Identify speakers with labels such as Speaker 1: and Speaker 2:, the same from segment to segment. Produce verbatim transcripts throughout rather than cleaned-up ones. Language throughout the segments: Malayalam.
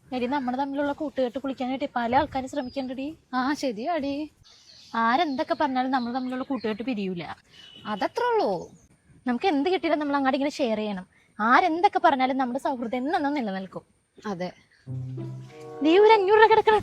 Speaker 1: എടി നമ്മുടെ തമ്മിലുള്ള കൂട്ടുകെട്ട് കുളിക്കാനായിട്ട് പല ആൾക്കാരും ശ്രമിക്കണ്ടടി.
Speaker 2: ആ ശരിയാടി.
Speaker 1: ആരെന്തൊക്കെ പറഞ്ഞാലും നമ്മൾ തമ്മിലുള്ള കൂട്ടുകെട്ട് പിരിയൂല.
Speaker 2: അതത്രേ ഉള്ളൂ.
Speaker 1: നമുക്ക് എന്ത് കിട്ടിയാലും നമ്മൾ അങ്ങോട്ട് ഇങ്ങനെ ഷെയർ ചെയ്യണം. ആരെന്തൊക്കെ പറഞ്ഞാലും നമ്മുടെ സൗഹൃദം എന്നെന്നും നിലനിൽക്കും.
Speaker 2: അതെ.
Speaker 1: നീ ഒരു അഞ്ഞൂറ് രൂപ കിടക്കണം.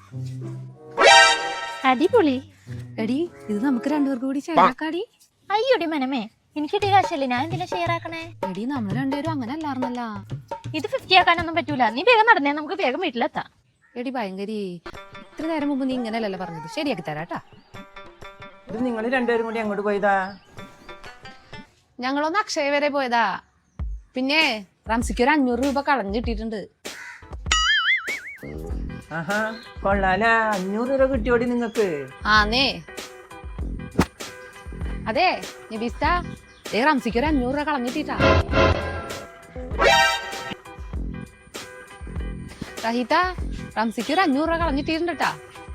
Speaker 1: അടിപൊളി.
Speaker 2: എടി ഇത് നമുക്ക് രണ്ടുപേർക്കും കൂടി ഷെയറാക്കാടി.
Speaker 1: അയ്യോടി മനമേ, എനിക്ക് കിട്ടിയ കാശല്ലേ, ഞാൻ എന്തിനാ ഷെയർ ആക്കണേ?
Speaker 2: എടി നമ്മൾ രണ്ടുപേരും അങ്ങനെ അല്ലായിരുന്നല്ല.
Speaker 1: ഇത് ഫിഫ്റ്റി ആക്കാനൊന്നും പറ്റൂല. നീ വേഗം നടന്നേ, നമുക്ക് വേഗം വീട്ടിലെത്താം.
Speaker 2: എടി ഭയങ്കരി, ഇത്ര നേരം മുമ്പ് നീ ഇങ്ങനെയല്ലല്ലോ പറഞ്ഞത്. ശരിയാക്കി തരാട്ടാ.
Speaker 3: ഇത് നിങ്ങൾ രണ്ടുപേരും കൂടി അങ്ങോട്ട് പോയതാ?
Speaker 2: ഞങ്ങളൊന്ന് അക്ഷയ വരെ പോയതാ. പിന്നെ റംസിക്ക് ഒരു അഞ്ഞൂറ് രൂപ കളഞ്ഞു കിട്ടിയിട്ടുണ്ട്.
Speaker 3: ആഹാ, കൊള്ളാല. അഞ്ഞൂറ് രൂപ കിട്ടിയോടി നിങ്ങക്ക്?
Speaker 2: ആന്നേ. അതെ നബീസ്ത, ഏ റംസിക്ക് ഒരു അഞ്ഞൂറ് രൂപ കളഞ്ഞിട്ടാ. റഹീത്ത, റംസിക്ക് ഒരു അഞ്ഞൂറ് രൂപ കളഞ്ഞിട്ടുണ്ടാ.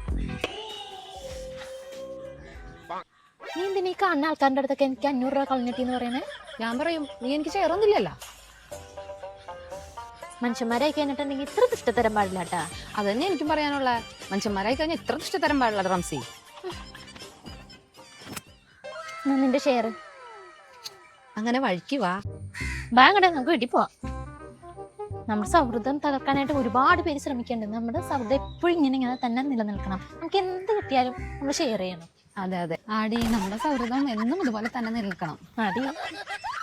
Speaker 1: നീ എന്തിനാ ഈ കാണുന്ന ആൾക്കാരുടെ അടുത്തൊക്കെ എനിക്ക് അഞ്ഞൂറ് രൂപ കളഞ്ഞിട്ടെന്ന് പറയണേ?
Speaker 2: ഞാൻ പറയും, നീ എനിക്ക് ചേർന്നില്ലല്ലോ.
Speaker 1: മനുഷ്യന്മാരായി കഴിഞ്ഞിട്ടുണ്ടെങ്കിൽ ഇത്ര ഇഷ്ടത്തരം പാടില്ല കേട്ടാ.
Speaker 2: അതന്നെ എനിക്കും പറയാനുള്ള. മനുഷ്യന്മാരായി കഴിഞ്ഞാൽ ഇത്ര ഇഷ്ടത്തരം പാടില്ല റംസി.
Speaker 1: നിന്റെ ഷെയർ
Speaker 2: അങ്ങനെ വഴിക്ക് വാ.
Speaker 1: ബാങ്ങടെ നമുക്ക് വീട്ടിൽ പോവാം. നമ്മുടെ സൗഹൃദം തകർക്കാനായിട്ട് ഒരുപാട് പേര് ശ്രമിക്കുന്നുണ്ട്. നമ്മുടെ സൗഹൃദം എപ്പോഴും ഇങ്ങനെ ഇങ്ങനെ തന്നെ നിലനിൽക്കണം. നമുക്ക് എന്ത് കിട്ടിയാലും നമ്മൾ ഷെയർ ചെയ്യണം.
Speaker 2: അതെ അതെ ആടി, നമ്മുടെ സൗഹൃദം എന്നും ഇതുപോലെ തന്നെ നിൽക്കണം.
Speaker 1: അടി